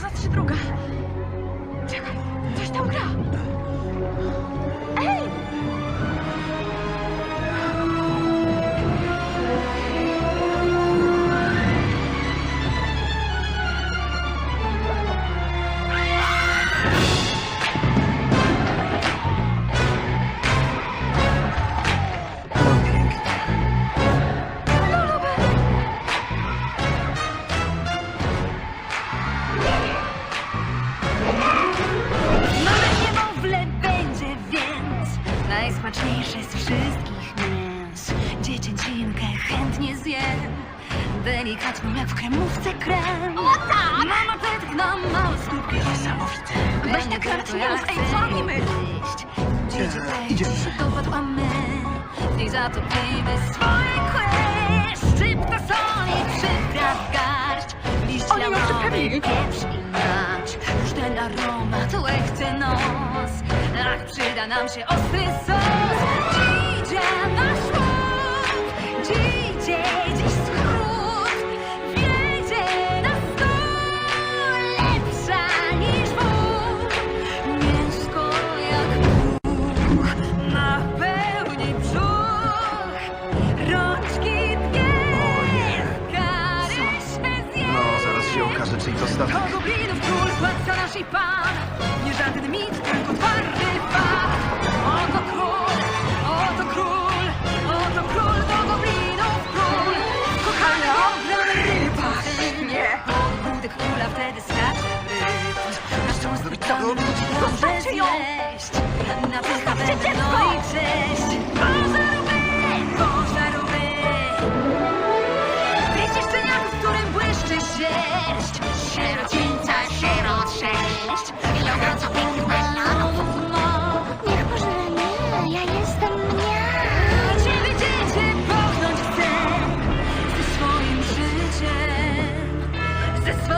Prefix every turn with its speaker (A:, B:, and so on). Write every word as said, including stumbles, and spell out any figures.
A: znaczy druga. Czekaj, coś tam gra. Ej!
B: Najsmaczniejsze z wszystkich mięs. Dziecięcinkę chętnie zjem. Delikatną jak w kremówce krem.
A: O tak!
B: Mam apetyt na małe skórki.
C: Niesamowite.
A: Weź tak raczej nie mów, ej, co robimy?
B: Dzieci
C: idziemy.
B: przygotować, a my w niej zatopimy swoje kły. Szczypta soli, przypraw garść. Liść
A: Oni ją
B: lamowy,
A: przyprawili.
B: pieprz i mać. Już ten aromat łechce nos. Ach, przyda nam się ostry sos. Dziś nasz łuk, dziś, dziś skrót. Wiedzie na stół, lepsza niż wód. Mięsko jak puch, napełni brzuch. Rączki dwie, kary się zje.
C: No, zaraz się okaże, czyj to statek.
B: To goblinów król, władca nasz i pan. Nie żaden mit, tylko twardy fakt. Oto król, oto król, oto król, to goblinów król. Kochany ogrom ryba.
A: Nie!
B: Ogródek króla wtedy skacze rytm. Na szczątki
C: zrobić? Co
B: pełny
C: robić?
B: ludzi dobrze
A: Zostawcie ją!
B: zjeść. Na pycha
A: Zostawcie
B: będę,
A: dziecko!
B: no i cześć. Pożarówy, pożarówy. Wiecie szczeniaku, w którym błyszczy sierść. Sierocińca, sierot sześć. Ilokrotnie pięknych melonów ma.
D: Niech pożre mnie, ja jestem mnie.
B: A ciebie dziecię pochnąć chcę. Ze swoim życiem. Ze swoim